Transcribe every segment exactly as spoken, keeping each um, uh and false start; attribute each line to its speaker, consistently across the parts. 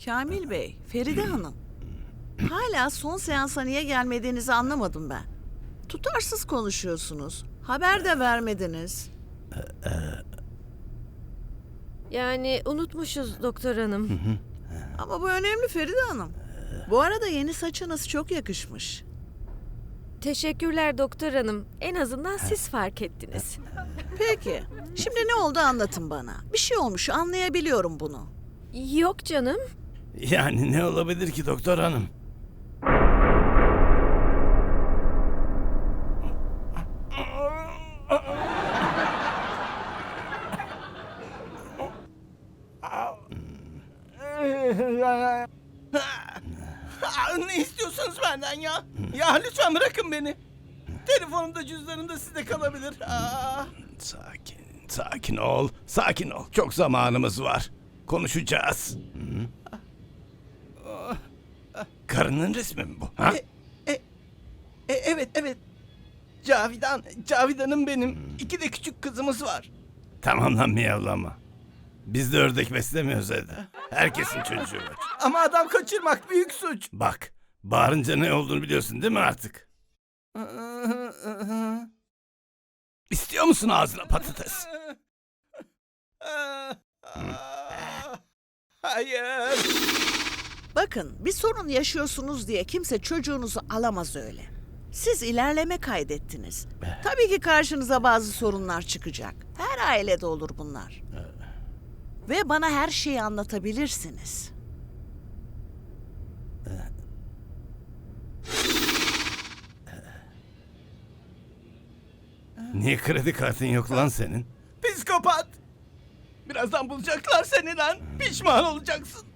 Speaker 1: Kamil Bey, Feride Hanım. Hala son seansa niye gelmediğinizi anlamadım ben. Tutarsız konuşuyorsunuz. Haber de vermediniz.
Speaker 2: Yani unutmuşuz doktor hanım.
Speaker 1: Ama bu önemli Feride Hanım. Bu arada yeni saçınız çok yakışmış.
Speaker 2: Teşekkürler doktor hanım. En azından siz fark ettiniz.
Speaker 1: Peki, şimdi ne oldu anlatın bana. Bir şey olmuş, anlayabiliyorum bunu.
Speaker 2: Yok canım.
Speaker 3: Yani ne olabilir ki doktor hanım?
Speaker 4: Ne istiyorsunuz benden ya? Ya lütfen bırakın beni. Telefonumda cüzdanımda sizde kalabilir. Aa.
Speaker 3: Sakin, sakin ol, sakin ol. Çok zamanımız var. Konuşacağız. Hı? Karının resmi mi bu? Ha?
Speaker 4: E, e, e, evet evet. Cavidan, Cavidan'ım benim. İki de küçük kızımız var.
Speaker 3: Tamam lan miyavlama. Biz de ördek beslemiyoruz evde. Herkesin çocuğu var.
Speaker 4: Ama adam kaçırmak büyük suç.
Speaker 3: Bak, bağırınca ne olduğunu biliyorsun değil mi artık? İstiyor musun ağzına patates?
Speaker 4: Hayır.
Speaker 1: Bakın, bir sorun yaşıyorsunuz diye kimse çocuğunuzu alamaz öyle. Siz ilerleme kaydettiniz. Tabii ki karşınıza bazı sorunlar çıkacak. Her ailede olur bunlar. Ve bana her şeyi anlatabilirsiniz.
Speaker 3: Niye kredi kartın yok lan senin?
Speaker 4: Psikopat. Birazdan bulacaklar seni lan. Pişman olacaksın.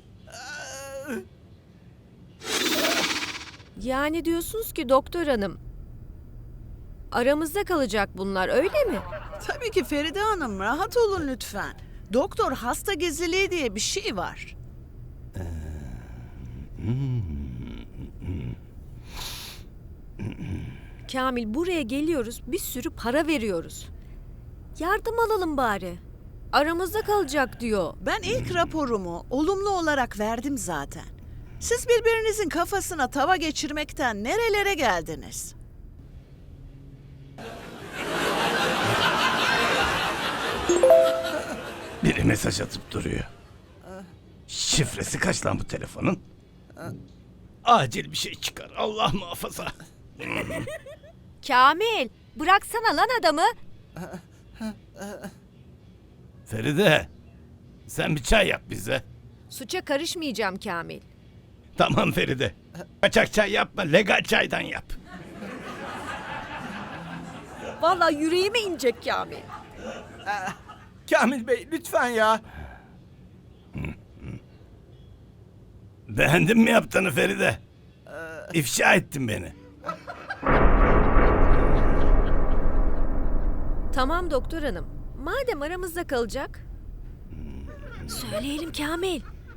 Speaker 2: Yani diyorsunuz ki doktor hanım, aramızda kalacak bunlar, öyle mi?
Speaker 1: Tabii ki Feride Hanım, rahat olun lütfen. Doktor hasta gizliliği diye bir şey var.
Speaker 2: Kamil, buraya geliyoruz, bir sürü para veriyoruz. Yardım alalım bari. Aramızda kalacak diyor.
Speaker 1: Ben ilk raporumu olumlu olarak verdim zaten. Siz birbirinizin kafasına tava geçirmekten nerelere geldiniz?
Speaker 3: Biri mesaj atıp duruyor. Şifresi kaç lan bu telefonun? Acil bir şey çıkar. Allah muhafaza.
Speaker 2: Kamil, bıraksana lan adamı.
Speaker 3: Feride, sen bir çay yap bize.
Speaker 2: Suça karışmayacağım Kamil.
Speaker 3: Tamam Feride. Kaçak çay yapma, legal çaydan yap.
Speaker 2: Vallahi yüreğime inecek Kamil.
Speaker 4: Kamil Bey lütfen ya.
Speaker 3: Beğendin mi yaptığını Feride? İfşa ettin beni.
Speaker 2: Tamam doktor hanım. Madem aramızda kalacak. Söyleyelim Kamil.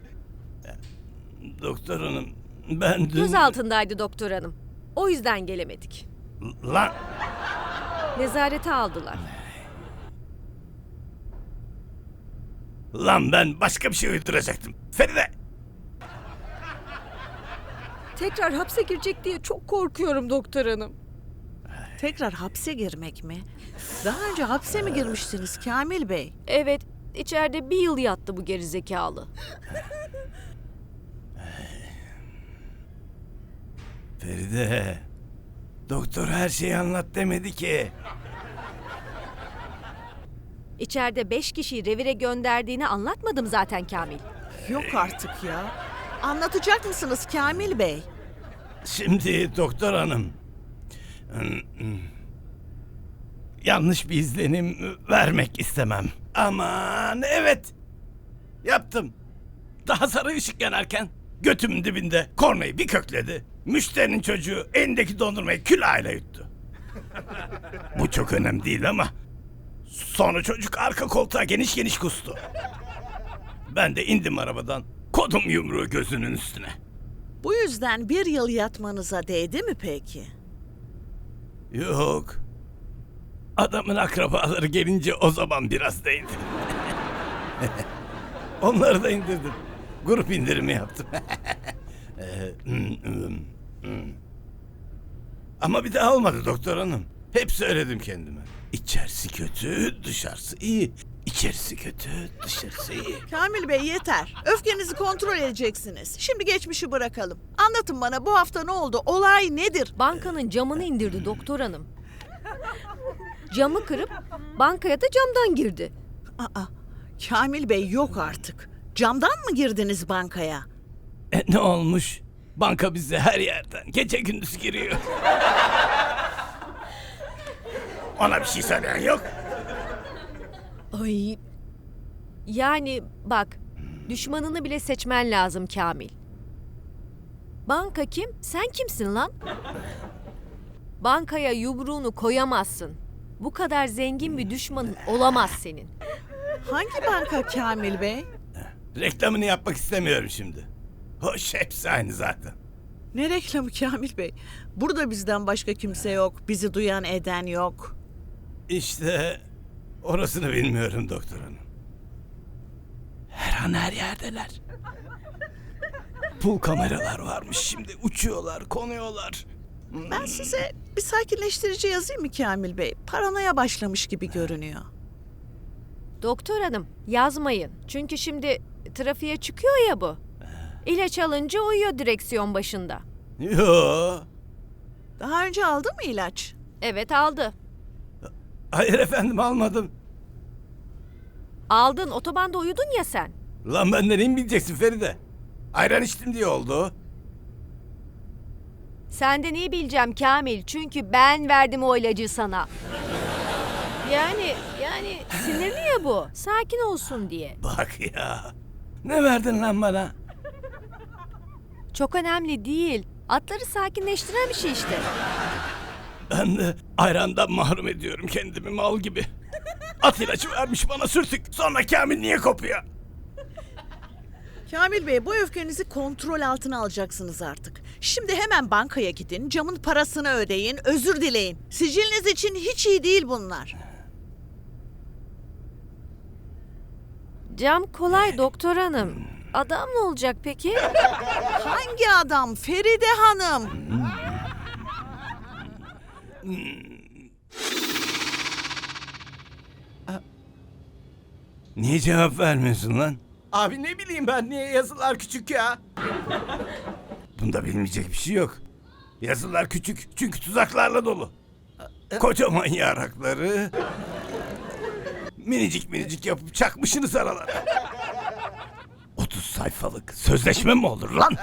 Speaker 3: Doktor hanım, ben dün...
Speaker 2: Göz altındaydı doktor hanım. O yüzden gelemedik.
Speaker 3: Lan,
Speaker 2: Nezarete aldılar.
Speaker 3: lan ben başka bir şey uyduracaktım. Feride!
Speaker 2: Tekrar hapse girecek diye çok korkuyorum doktor hanım.
Speaker 1: Tekrar hapse girmek mi? Daha önce hapse mi girmiştiniz Kamil Bey?
Speaker 2: Evet, içeride bir yıl yattı bu gerizekalı.
Speaker 3: Feride, doktor her şeyi anlat demedi ki.
Speaker 2: İçeride beş kişiyi revire gönderdiğini anlatmadım zaten Kamil.
Speaker 1: Yok artık ya. Anlatacak mısınız Kamil Bey?
Speaker 3: Şimdi doktor hanım, yanlış bir izlenim vermek istemem. Aman evet, yaptım. Daha sarı ışık yanarken götümün dibinde kornayı bir kökledi. Müşterinin çocuğu elindeki dondurmayı külahıyla yuttu. Bu çok önemli değil ama sonra çocuk arka koltuğa geniş geniş kustu. Ben de indim arabadan, kodum yumruğu gözünün üstüne.
Speaker 1: Bu yüzden bir yıl yatmanıza değdi mi peki?
Speaker 3: Yok. Adamın akrabaları gelince o zaman biraz değdi. Onları da indirdim. Grup indirimi yaptım. Ee, hmm, hmm, hmm. Ama bir daha olmadı doktor hanım. Hep söyledim kendime. İçerisi kötü, dışarısı iyi. İçerisi kötü, dışarısı iyi.
Speaker 1: Kamil Bey yeter. Öfkenizi kontrol edeceksiniz. Şimdi geçmişi bırakalım. Anlatın bana, bu hafta ne oldu? Olay nedir?
Speaker 2: Bankanın camını indirdi doktor hanım. Camı kırıp bankaya da camdan girdi.
Speaker 1: Aa, Kamil Bey yok artık. Camdan mı girdiniz bankaya?
Speaker 3: E, ne olmuş? Banka bize her yerden gece gündüz giriyor. Ona bir şey söyleyen yok.
Speaker 2: Ay. Yani bak, düşmanını bile seçmen lazım Kamil. Banka kim? Sen kimsin lan? Bankaya yumruğunu koyamazsın. Bu kadar zengin bir düşmanın olamaz senin.
Speaker 1: Hangi banka Kamil Bey?
Speaker 3: Reklamını yapmak istemiyorum şimdi. Hoş, hepsi aynı zaten.
Speaker 1: Ne reklamı Kamil Bey? Burada bizden başka kimse yok. Bizi duyan eden yok.
Speaker 3: İşte orasını bilmiyorum doktor hanım. Her an her yerdeler. Pul kameralar varmış şimdi. Uçuyorlar, konuyorlar.
Speaker 1: Ben size bir sakinleştirici yazayım mı Kamil Bey? Paranoya başlamış gibi görünüyor.
Speaker 2: Doktor hanım, yazmayın. Çünkü şimdi trafiğe çıkıyor ya bu. İlaç alınca uyuyor direksiyon başında.
Speaker 3: Yo.
Speaker 1: Daha önce aldı mı ilaç?
Speaker 2: Evet, aldı.
Speaker 3: Hayır efendim, almadım.
Speaker 2: Aldın, otobanda uyudun ya sen.
Speaker 3: Lan benden iyi mi bileceksin Feride? Ayran içtim diye oldu.
Speaker 2: Senden iyi bileceğim Kamil. Çünkü ben verdim o ilacı sana. Yani, yani sinirli ya bu. Sakin olsun diye.
Speaker 3: Bak ya. Ne verdin lan bana?
Speaker 2: Çok önemli değil. Atları sakinleştiren bir şey işte.
Speaker 3: Ben de ayrandan mahrum ediyorum kendimi mal gibi. At ilacı vermiş bana sürtük. Sonra Kamil niye kopuyor?
Speaker 1: Kamil Bey, bu öfkenizi kontrol altına alacaksınız artık. Şimdi hemen bankaya gidin, camın parasını ödeyin, özür dileyin. Siciliniz için hiç iyi değil bunlar.
Speaker 2: Cam kolay doktor hanım. Adam ne olacak peki?
Speaker 1: Hangi adam? Feride Hanım.
Speaker 3: Niye cevap vermiyorsun lan?
Speaker 4: Abi ne bileyim ben, niye yazılar küçük ya?
Speaker 3: Bunda bilmeyecek bir şey yok. Yazılar küçük çünkü tuzaklarla dolu. Kocaman yarakları minicik minicik yapıp çakmışsınız aralara. otuz sayfalık sözleşme mi olur lan?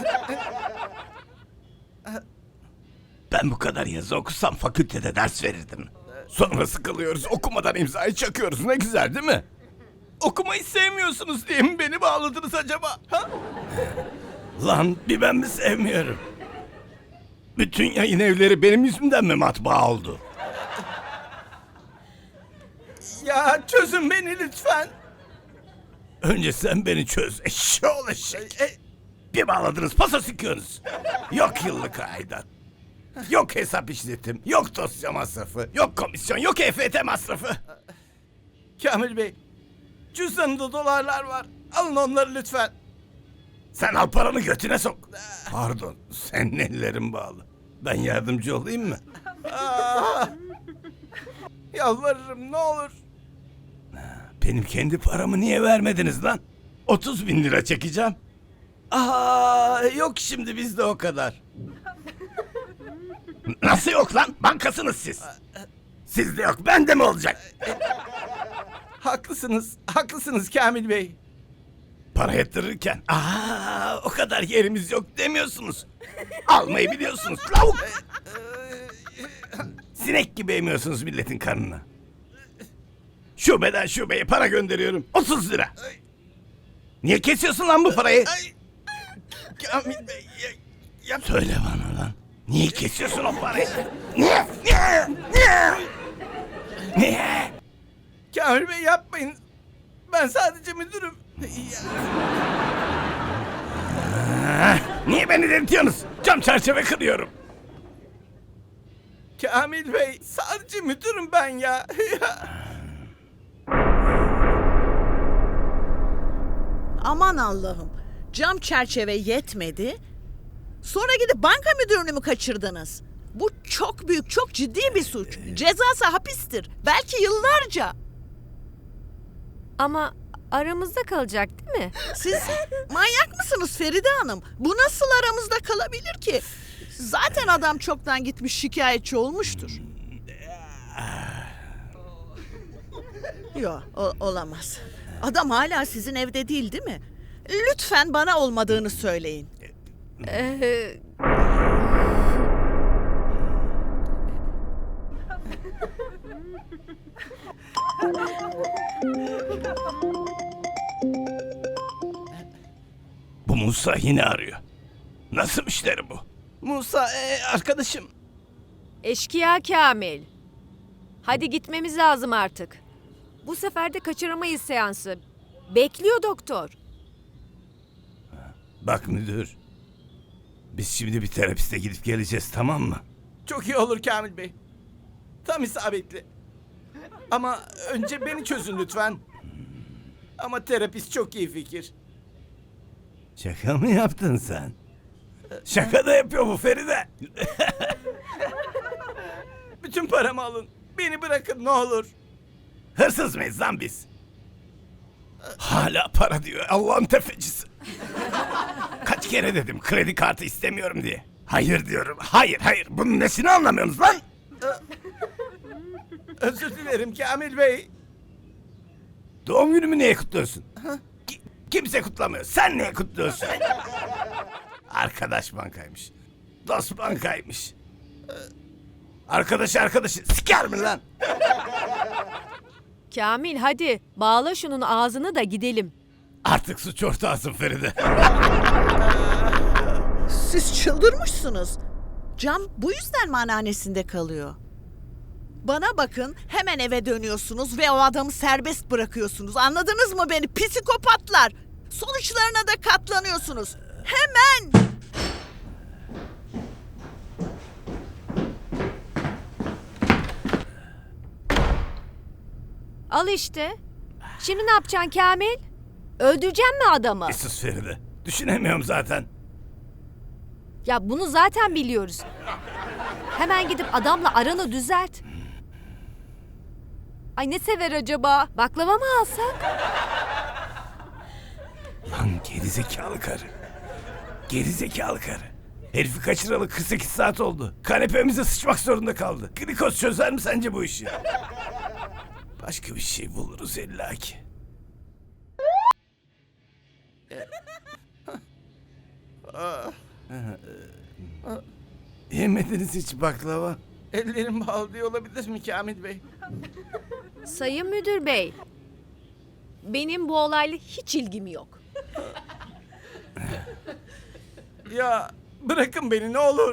Speaker 3: Ben bu kadar yazı okusam fakültede ders verirdim. Sonra sıkılıyoruz, okumadan imzayı çakıyoruz. Ne güzel değil mi?
Speaker 4: Okumayı sevmiyorsunuz diye mi beni bağladınız acaba? Ha?
Speaker 3: Lan bir ben mi sevmiyorum? Bütün yayın evleri benim yüzümden mi matbaa oldu?
Speaker 4: Ya çözün beni lütfen.
Speaker 3: Önce sen beni çöz eşşoğlu eşek. Bir bağladınız pasa sıkıyorsunuz. Yok yıllık aidat. Yok hesap işletim. Yok dosya masrafı. Yok komisyon. Yok E F T masrafı.
Speaker 4: Kamil Bey, cüzdanımda dolarlar var. Alın onları lütfen.
Speaker 3: Sen al paranı götüne sok. Pardon, senin ellerin bağlı. Ben yardımcı olayım mı?
Speaker 4: Aa, yalvarırım ne olur.
Speaker 3: Benim kendi paramı niye vermediniz lan? otuz bin lira çekeceğim. Aa, yok şimdi bizde o kadar. Nasıl yok lan? Bankasınız siz. Sizde yok, bende mi olacak?
Speaker 4: Haklısınız, haklısınız Kamil Bey.
Speaker 3: Para yatırırken aa o kadar yerimiz yok demiyorsunuz. Almayı biliyorsunuz lavuk. Sinek gibi emiyorsunuz milletin karnına. Şubeden şubeye para gönderiyorum. otuz lira. Niye kesiyorsun lan bu parayı?
Speaker 4: Ay, Kamil Bey, ya, ya,
Speaker 3: Söyle bana lan. Niye kesiyorsun o parayı? Niye? Niye? Niye? Niye?
Speaker 4: Kamil Bey yapmayın. Ben sadece müdürüm. Ya,
Speaker 3: Ah, niye beni delirtiyorsunuz? Cam çerçeve kırıyorum.
Speaker 4: Kamil Bey, sadece müdürüm ben ya.
Speaker 1: Aman Allah'ım. Cam çerçeve yetmedi. Sonra gidip banka müdürünü mü kaçırdınız? Bu çok büyük, çok ciddi bir suç. Cezası hapistir. Belki yıllarca.
Speaker 2: Ama aramızda kalacak değil mi?
Speaker 1: Siz manyak mısınız Feride Hanım? Bu nasıl aramızda kalabilir ki? Zaten adam çoktan gitmiş şikayetçi olmuştur. Yok, olamaz. Adam hala sizin evde değil, değil mi? Lütfen bana olmadığını söyleyin.
Speaker 2: Ee,
Speaker 3: Bu Musa yine arıyor. Nasıl müşteri bu?
Speaker 4: Musa e, arkadaşım.
Speaker 2: eşkıya Kamil. Hadi gitmemiz lazım artık. Bu sefer de kaçıramayız seansı. Bekliyor doktor.
Speaker 3: Bak müdür. Biz şimdi bir terapiste gidip geleceğiz, tamam mı?
Speaker 4: Çok iyi olur Kamil Bey. Tam isabetli. Ama önce beni çözün lütfen. Ama terapist çok iyi fikir.
Speaker 3: Şaka mı yaptın sen? Şaka da yapıyor bu Feride.
Speaker 4: Bütün paramı alın. Beni bırakın ne olur.
Speaker 3: Hırsız mıyız lan biz? Hala para diyor, Allah'ın tefecisi. Kaç kere dedim kredi kartı istemiyorum diye. Hayır diyorum, hayır hayır. Bunun nesini anlamıyorsunuz lan?
Speaker 4: Özür dilerim Kamil Bey.
Speaker 3: Doğum günümü niye kutluyorsun? Ki- kimse kutlamıyor. Sen niye kutluyorsun? Arkadaş bankaymış. Dost bankaymış. Arkadaş arkadaşı siker mi lan?
Speaker 2: Kamil hadi bağla şunun ağzını da gidelim.
Speaker 3: Artık suç ortağısın Feride.
Speaker 1: Siz çıldırmışsınız. Cam bu yüzden mi anneannesinde kalıyor? Bana bakın, hemen eve dönüyorsunuz ve o adamı serbest bırakıyorsunuz. Anladınız mı beni psikopatlar? Sonuçlarına da katlanıyorsunuz. Hemen!
Speaker 2: Al işte. Şimdi ne yapacaksın Kamil? Öldüreceksin mi adamı?
Speaker 3: Bir sus Feride. Düşünemiyorum zaten.
Speaker 2: Ya bunu zaten biliyoruz. Hemen gidip adamla aranı düzelt. Ay ne sever acaba? Baklava mı alsak?
Speaker 3: Lan gerizekalı karı. Gerizekalı karı. Herifi kaçıralı kırk sekiz saat oldu. Kanepemize sıçmak zorunda kaldı. Glikoz çözer mi sence bu işi? Başka bir şey buluruz illaki. Yemediniz hiç baklava.
Speaker 4: Ellerim bağlı diye olabilir mi Kamil Bey?
Speaker 2: Sayın Müdür Bey. Benim bu olayla hiç ilgim yok.
Speaker 4: Ya bırakın beni ne olur.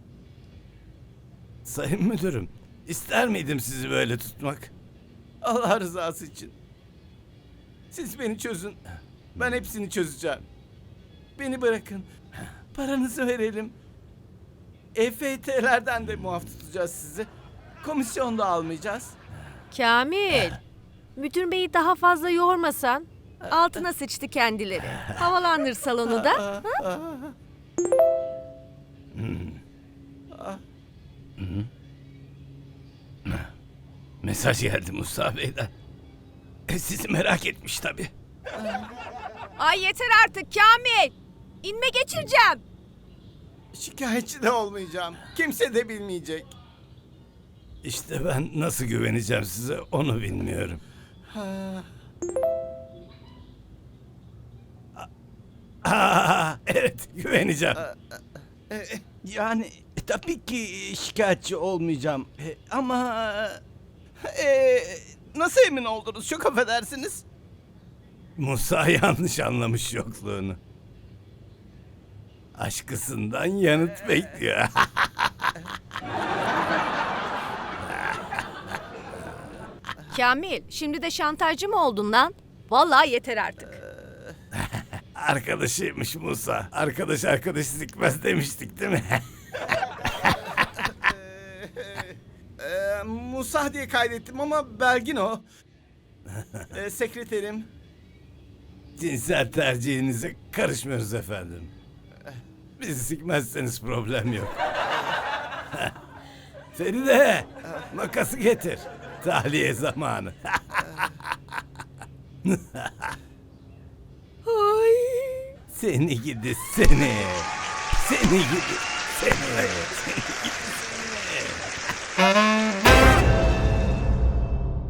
Speaker 3: Sayın müdürüm, ister miydim sizi böyle tutmak?
Speaker 4: Allah rızası için. Siz beni çözün. Ben hepsini çözeceğim. Beni bırakın. Paranızı verelim. E F T'lerden de muaf tutacağız sizi. Komisyon da almayacağız.
Speaker 2: Kamil. Müdür Bey'i daha fazla yormasan. Altına sıçtı kendileri. Havalandır salonu da. Ha?
Speaker 3: Mesaj geldi Musa Bey'den. E, sizi merak etmiş tabii.
Speaker 2: Ay yeter artık Kamil. İnme geçireceğim.
Speaker 4: Şikayetçi de olmayacağım. Kimse de bilmeyecek.
Speaker 3: İşte ben nasıl güveneceğim size onu bilmiyorum. Aa, evet güveneceğim.
Speaker 4: E, yani e, tabii ki şikayetçi olmayacağım. E, ama e, nasıl emin oldunuz? Çok affedersiniz.
Speaker 3: Musa yanlış anlamış yokluğunu. Aşkısından yanıt bekliyor.
Speaker 2: Kamil şimdi de şantajcı mı oldun lan? Vallahi yeter artık.
Speaker 3: Arkadaşıymış Musa. Arkadaş arkadaş sikmez demiştik değil mi?
Speaker 4: E, Musa diye kaydettim ama Belgin o. E, sekreterim.
Speaker 3: Cinsel tercihinize karışmıyoruz efendim. Bizi sikmezseniz problem yok. Feride, makası getir. Tahliye zamanı.
Speaker 1: Ay.
Speaker 3: Seni gidi seni. Seni gidi seni. Seni gidi seni.